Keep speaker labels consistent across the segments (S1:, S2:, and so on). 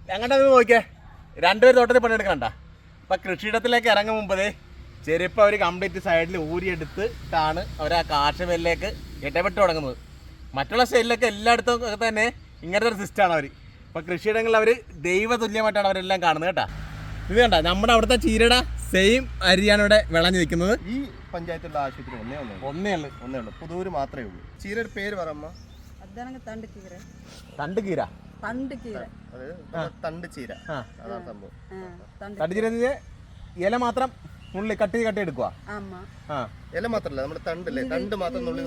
S1: ഞങ്ങളുടെ നോക്കിയേ രണ്ടുപേർ തോട്ടത്തിൽ പണിയെടുക്കണ്ട. അപ്പം കൃഷിയിടത്തിലേക്ക് ഇറങ്ങും മുമ്പേ ചെരുപ്പ് അവർ കംപ്ലീറ്റ് സൈഡിൽ ഊരിയെടുത്തിട്ടാണ് അവർ ആ കാർഷികയിലേക്ക് ഇടപെട്ട് തുടങ്ങുന്നത്. മറ്റുള്ള സ്റ്റൈലിലൊക്കെ എല്ലായിടത്തും തന്നെ ഇങ്ങനത്തെ ഒരു സിസ്റ്റമാണ് അവർ. അപ്പോൾ കൃഷിയിടങ്ങളിൽ അവർ ദൈവതുല്യമായിട്ടാണ് അവരെല്ലാം കാണുന്നത് കേട്ടോ. ഇത് കണ്ട നമ്മുടെ അവിടുത്തെ ചീരയുടെ സെയിം അരിയാണ് ഇവിടെ വിളഞ്ഞു നിൽക്കുന്നത്.
S2: ഈ പഞ്ചായത്തുള്ള ആശുപത്രി ഒന്നേ ഉള്ളൂ. പുതൂര് മാത്രമേ ഉള്ളൂ. ചീരയുടെ പേര് പറയമ്മ.
S3: തണ്ട് ചീര.
S2: തണ്ട് ചീര അതാണ് സംഭവം.
S1: തണ്ട് ചീര ഇല മാത്രം നുള്ളി കട്ടി എടുക്കുക.
S2: ഇല മാത്രല്ല നമ്മുടെ തണ്ടല്ലേ, തണ്ട് മാത്രം നുള്ളി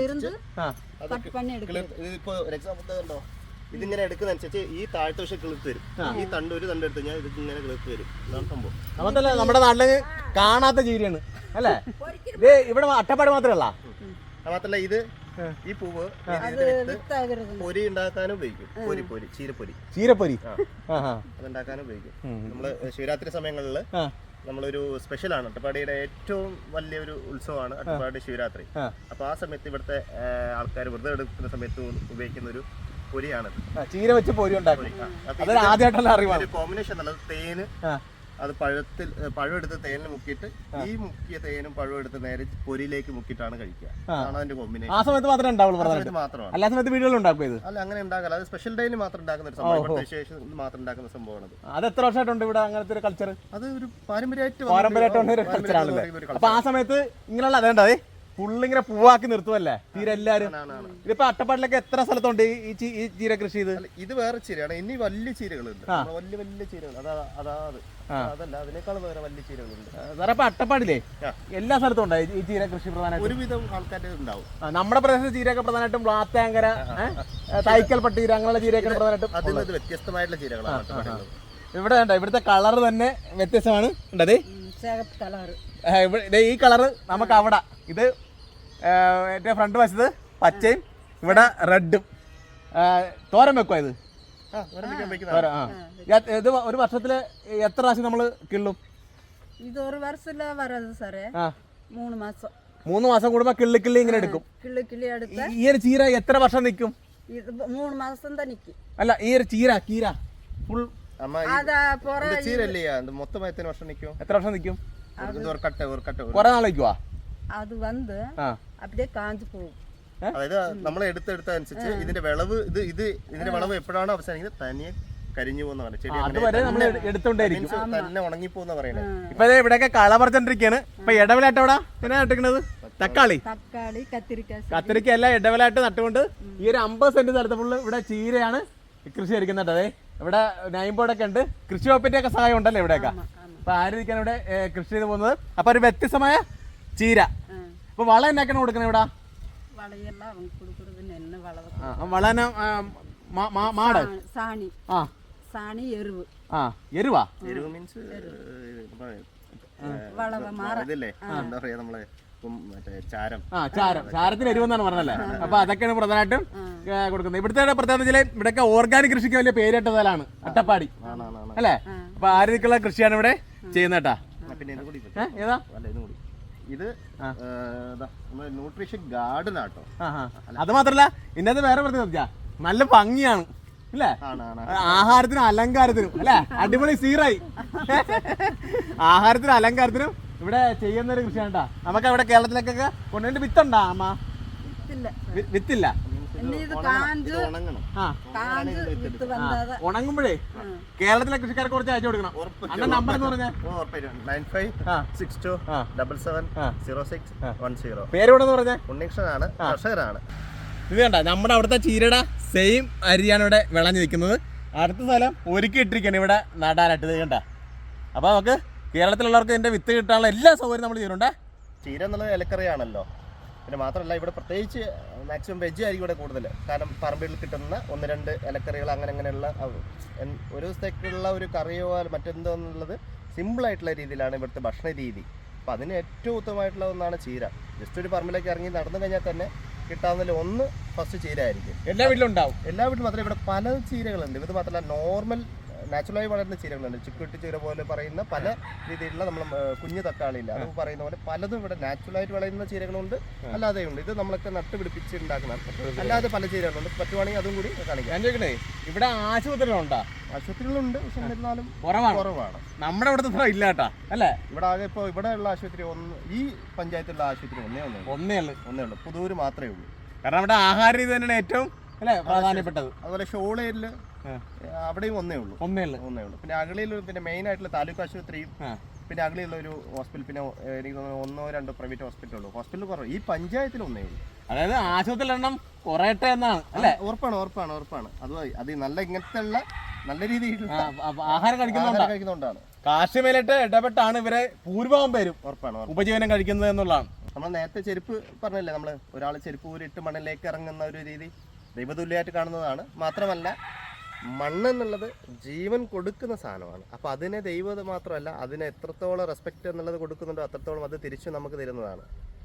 S2: ഇതിപ്പോ എക്സാമ്പിൾ കണ്ടോ, ഇതിങ്ങനെ എടുക്കുന്നതനുസരിച്ച് ഈ താഴത്തെ വശം കിളിർത്ത് വരും. ഈ തണ്ട് ഒരു തണ്ട് എടുത്ത് കഴിഞ്ഞാൽ ഇത് ഇങ്ങനെ കിളിർത്ത് വരും. ഇതാണ് സംഭവം.
S1: നമുക്കല്ല നമ്മുടെ നാട്ടില് കാണാത്ത ചീരയാണ് അല്ലേ ഇത്. ഇവിടെ അട്ടപ്പാടി മാത്രമല്ല,
S2: മാത്രല്ല ഇത് ഈ പൂവ് പൊരി ഉണ്ടാക്കാനും ഉപയോഗിക്കും. ചീരപ്പൊരി അതുണ്ടാക്കാനും ഉപയോഗിക്കും. നമ്മള് ശിവരാത്രി സമയങ്ങളില് നമ്മളൊരു സ്പെഷ്യലാണ്. അട്ടപ്പാടിയുടെ ഏറ്റവും വലിയൊരു ഉത്സവമാണ് അട്ടപ്പാടി ശിവരാത്രി. അപ്പൊ ആ സമയത്ത് ഇവിടുത്തെ ആൾക്കാർ വെറുതെ എടുക്കുന്ന സമയത്ത് ഉപയോഗിക്കുന്ന ഒരു പൊരിയാണ്
S1: ചീര വെച്ച് പൊരി ഉണ്ടാക്കും.
S2: കോമ്പിനേഷൻ നല്ലത് തേന്, അത് പഴം എടുത്ത് തേനിൽ മുക്കിയിട്ട് ഈ മുക്കിയ തേനും പഴം എടുത്ത് നേരെ പൊരിയിലേക്ക് മുക്കിയിട്ടാണ് കഴിക്കുക. അതാണ് അതിന്റെ കോമ്പിനേഷൻ.
S1: ആ സമയത്ത് മാത്രമേ ഉണ്ടാവുള്ളൂ.
S2: മാത്രമാണ്.
S1: എല്ലാ സമയത്ത് വീടുകളിൽ ഉണ്ടാക്കും ഇത്.
S2: അല്ല, അങ്ങനെ ഉണ്ടാക്കല. അത് സ്പെഷ്യൽ ഡേയിൽ മാത്രം ഉണ്ടാക്കുന്ന ഒരു സംഭവം, വിശേഷം മാത്രം ഉണ്ടാക്കുന്ന സംഭവമാണ്.
S1: അത് എത്ര വർഷമായിട്ടുണ്ട് ഇവിടെ അങ്ങനത്തെ ഒരു കൾച്ചർ?
S2: അത് ഒരു പാരമ്പര്യമായിട്ട്
S1: ഒരു കൾച്ചറാണല്ലേ. അപ്പൊ ആ സമയത്ത് ഇങ്ങനെയുള്ള അതേണ്ടത് ഫുള്ളിങ്ങനെ പൂവാക്കി നിർത്തുമല്ലേ ചീര എല്ലാരും. ഇതിപ്പോ അട്ടപ്പാടിലൊക്കെ എത്ര സ്ഥലത്തുണ്ട് ഈ ചീര കൃഷി?
S2: ഇത് വേറെ ചീരയാണ്. ഇനി വലിയ ചീരകളുണ്ട്, വലിയ ചീരകൾ. അതല്ല, അതിനേക്കാൾ വേറെ വലിയ ചീരകളുണ്ട്.
S1: സാറേ അപ്പൊ അട്ടപ്പാടില്ലേ എല്ലാ സ്ഥലത്തും ഉണ്ടായി ഈ ചീര കൃഷി? പ്രധാനമായിട്ടും
S2: ഒരുവിധം ആൾക്കാരുടെ ഉണ്ടാവും.
S1: നമ്മുടെ പ്രദേശത്ത് ചീരയൊക്കെ പ്രധാനമായിട്ടും ബ്ലാത്താങ്കര, തൈക്കൽ പട്ടീര അങ്ങനെയുള്ള ചീരയൊക്കെ പ്രധാനമായിട്ടും.
S2: അതിൽ വ്യത്യസ്തമായിട്ടുള്ള ചീരകളാണ്.
S1: ഇവിടെ ഇവിടുത്തെ കളർ തന്നെ വ്യത്യസ്തമാണ്. ഉണ്ടത് ഈ കളറ് നമുക്ക് അവിടെ ഇത് ഏറ്റവും ഫ്രണ്ട് വശത്ത് പച്ചയും ഇവിടെ റെഡും. തോരൻ വെക്കുവാ ഇത്? ഇത് ഒരു വർഷത്തില് എത്ര പ്രാവശ്യം നമ്മള് കിള്ളും?
S3: ഇത് ഒരു വർഷത്തില് വരാது സാറേ.
S1: 3 മാസം കൂടുമ്പോ കിള്ളി ഇങ്ങനെ എടുക്കും. ഈ ഒരു ചീര എത്ര വർഷം നിൽക്കും?
S3: 3 മാസം തന്നെ നിൽക്കും.
S1: അല്ല, ഈ ഒരു ചീര ഫുൾ
S2: ചീരല്ലേ മൊത്തം എത്ര വർഷം നിൽക്കും? എത്ര വർഷം നിൽക്കും?
S1: കുറെ നാൾ നിൽക്കുവാ?
S3: അത് വന്ന് அப்படியே കാഞ്ചു പോകും.
S2: അതായത് നമ്മൾ എടുത്തനുസരിച്ച് ഇതിന്റെ വിളവ് ഇതിന്റെ വിളവ് എപ്പോഴാണ് അവസാനിക്കുന്നത് തനിയെ കരിഞ്ഞു പോകുന്ന ചെടി തന്നെ ഉണങ്ങിപ്പോന്ന പറയുന്നത്.
S1: ഇപ്പൊ ഇവിടെയൊക്കെ കള പറിച്ചോണ്ടിരിക്കുകയാണ്. ഇപ്പൊ ഇടവിലായിട്ട് എവിടെ പിന്നെ നട്ടിക്കുന്നത്? തക്കാളി, കത്തിരിക്ക എല്ലാം ഇടവിലായിട്ട് നട്ടുകൊണ്ട് ഈ ഒരു 50 സെന്റ് സ്ഥലത്ത് ഫുള്ള് ഇവിടെ ചീരയാണ് കൃഷി എടുക്കുന്നുണ്ട്. അതെ, ഇവിടെ നൈം ബോർഡൊക്കെ ഉണ്ട്. കൃഷി വകുപ്പിന്റെ ഒക്കെ സഹായം ഉണ്ടല്ലോ ഇവിടെയൊക്കെ. അപ്പൊ ആയിരിക്കാൻ ഇവിടെ കൃഷി ചെയ്ത് പോകുന്നത്. അപ്പൊ ഒരു വ്യത്യസ്തമായ ചീര. അപ്പൊ വളം എന്നാക്കാണ് കൊടുക്കുന്നത് ഇവിടെ? വളന മാട്
S3: സാണി എരുവ്.
S1: എരുവാ?
S2: എരുവ് മീൻസ് എന്താ പറയാ നമ്മള്
S1: ചാരത്തിന് എരിവെന്നാണ് പറഞ്ഞല്ലേ. അപ്പൊ അതൊക്കെയാണ് പ്രധാനമായിട്ടും കൊടുക്കുന്നത്. ഇവിടുത്തെ പ്രത്യേകത വെച്ചാൽ ഇവിടെയൊക്കെ ഓർഗാനിക് കൃഷിക്ക് വലിയ പേരിട്ട സ്ഥലമാണ് അട്ടപ്പാടി അല്ലേ. അപ്പൊ ആര്യക്കുള്ള കൃഷിയാണ് ഇവിടെ ചെയ്യുന്നേട്ടാ. ഏതാ
S2: ഇത് ന്യൂട്രീഷൻ ഗാർഡൻ ആട്ടോ.
S1: അത് മാത്രല്ല ഇന്നത്തെ വേറെ പ്രത്യേകത നല്ല ഭംഗിയാണ് അല്ലേ, ആഹാരത്തിനും അലങ്കാരത്തിനും അല്ലെ. അടിപൊളി സീറായി. ആഹാരത്തിനും അലങ്കാരത്തിനും ഇവിടെ ചെയ്യുന്ന ഒരു കൃഷിയാണ് കേട്ടാ. നമുക്ക് അവിടെ കേരളത്തിലേക്കൊക്കെ കൊണ്ടുപോയിട്ട് വിത്തുണ്ടാ അമ്മ? വിത്തില്ല. ഉണങ്ങുമ്പോഴേ കേരളത്തിലെ കൃഷിക്കാർക്ക് കുറച്ച് അയച്ചു കൊടുക്കണം. അന്ന നമ്പർ എന്ന് പറഞ്ഞാൽ
S2: 9562770610.
S1: പേര് കൂടെ പറഞ്ഞേ?
S2: ഉണ്ണികൃഷ്ണനാണ്, കർഷകരാണ്.
S1: ഇത് കണ്ട നമ്മുടെ അവിടുത്തെ ചീരയുടെ സെയിം അരിയാണ് ഇവിടെ വിളഞ്ഞു നിൽക്കുന്നത്. അടുത്ത സ്ഥലം ഒരുക്കി ഇട്ടിരിക്കുകയാണ് ഇവിടെ നടാനായിട്ട്. ഇത് കണ്ട. അപ്പൊ നമുക്ക് കേരളത്തിലുള്ളവർക്ക് ഇതിന്റെ വിത്ത് കിട്ടാനുള്ള എല്ലാ സൗകര്യം നമ്മൾ ചെയ്യുന്നുണ്ട്.
S2: ചീര എന്നുള്ളത് ഇലക്കറിയാണല്ലോ. പിന്നെ മാത്രമല്ല ഇവിടെ പ്രത്യേകിച്ച് മാക്സിമം വെജ് ആയിരിക്കും ഇവിടെ കൂടുതൽ. കാരണം പറമ്പിൽ കിട്ടുന്ന 1-2 ഇലക്കറികൾ അങ്ങനെയുള്ള ഒരു ദിവസത്തേക്കുള്ള ഒരു കറിയോ മറ്റെന്തോ എന്നുള്ളത് സിമ്പിളായിട്ടുള്ള രീതിയിലാണ് ഇവിടുത്തെ ഭക്ഷണ രീതി. അപ്പോൾ അതിന് ഏറ്റവും ഉത്തമമായിട്ടുള്ള ഒന്നാണ് ചീര. ജസ്റ്റ് ഒരു പറമ്പിലേക്ക് ഇറങ്ങി നടന്നു കഴിഞ്ഞാൽ തന്നെ കിട്ടാവുന്നതിൽ ഒന്ന് ഫസ്റ്റ് ചീര ആയിരിക്കും.
S1: എല്ലാ വീട്ടിലും ഉണ്ടാവും.
S2: എല്ലാ വീട്ടിലും മാത്രമല്ല, ഇവിടെ പല ചീരകളുണ്ട്. ഇത് മാത്രമല്ല നാച്ചുറലായി വളരുന്ന ചീരകളുണ്ട്. ചുക്കുട്ടി ചീര പോലെ പറയുന്ന പല രീതിയിലുള്ള നമ്മൾ കുഞ്ഞു തക്കാളിയില്ല അത് പറയുന്ന പോലെ പലതും ഇവിടെ നാച്ചുറലായിട്ട് വളരുന്ന ചീരകളുണ്ട്, അല്ലാതെ ഉണ്ട്. ഇത് നമ്മളൊക്കെ നട്ടുപിടിപ്പിച്ച് ഉണ്ടാക്കുന്ന അല്ലാതെ പല ചീരകളുണ്ട്. പറ്റുവാണെങ്കിൽ അതും കൂടി കാണിക്കാം.
S1: ഞാൻ ചോദിക്കണേ, ഇവിടെ ആശുപത്രികളുണ്ടോ?
S2: ആശുപത്രികളുണ്ട്, പക്ഷെ എന്നിരുന്നാലും കുറവാണ്.
S1: നമ്മുടെ ഇവിടുത്തെ ഇല്ല കേട്ടാ അല്ലേ?
S2: ഇവിടെ ആകെ ഇപ്പോൾ ഇവിടെ ഉള്ള ആശുപത്രി ഈ പഞ്ചായത്തിലുള്ള ആശുപത്രി ഒന്നേ ഉള്ളൂ. പുതൂര് മാത്രമേ ഉള്ളൂ.
S1: കാരണം അവിടെ ആഹാര രീതി തന്നെയാണ് ഏറ്റവും അല്ലേ പ്രധാനപ്പെട്ടത്.
S2: അതുപോലെ ഷോളേരിൽ അവിടെയും ഒന്നേ ഉള്ളൂ. പിന്നെ അഗളിയിൽ പിന്നെ മെയിൻ ആയിട്ടുള്ള താലൂക്ക് ആശുപത്രിയും പിന്നെ അഗളിയുള്ള ഒരു ഹോസ്പിറ്റൽ, പിന്നെ എനിക്ക് തോന്നുന്നു 1-2 പ്രൈവറ്റ് ഹോസ്പിറ്റലുള്ളൂ. ഹോസ്പിറ്റൽ കുറവ് ഈ പഞ്ചായത്തിൽ ഒന്നേ ഉള്ളൂ.
S1: അതായത് ആശുപത്രിയിൽ എണ്ണം കുറയട്ടെ എന്നാണ് അല്ലേ?
S2: ഉറപ്പാണ്. അത് നല്ല ഇങ്ങനത്തെ ഉള്ള നല്ല രീതിയിൽ
S1: ആഹാരം കഴിക്കുന്നതുകൊണ്ടാണ്. കാർഷികമേലായിട്ട് ഇടപെട്ടാണ് ഇവരെ ഭൂരിഭാഗം പേരും ഉപജീവനം കഴിക്കുന്നത് എന്നുള്ളതാണ്.
S2: നമ്മൾ നേരത്തെ ചെരുപ്പ് പറഞ്ഞല്ലേ, നമ്മൾ ഒരാൾ ചെരുപ്പ് ഊരിട്ട് മണ്ണിലേക്ക് ഇറങ്ങുന്ന ഒരു രീതി ദൈവതുല്യമായിട്ട് കാണുന്നതാണ്. മാത്രമല്ല മണ്ണെന്നുള്ളത് ജീവൻ കൊടുക്കുന്ന സാധനമാണ്. അപ്പോൾ അതിനെ ദൈവം മാത്രമല്ല, അതിനെ എത്രത്തോളം റെസ്പെക്റ്റ് എന്നുള്ളത് കൊടുക്കുന്നുണ്ടോ അത്രത്തോളം അത് തിരിച്ചു നമുക്ക് തരുന്നതാണ്.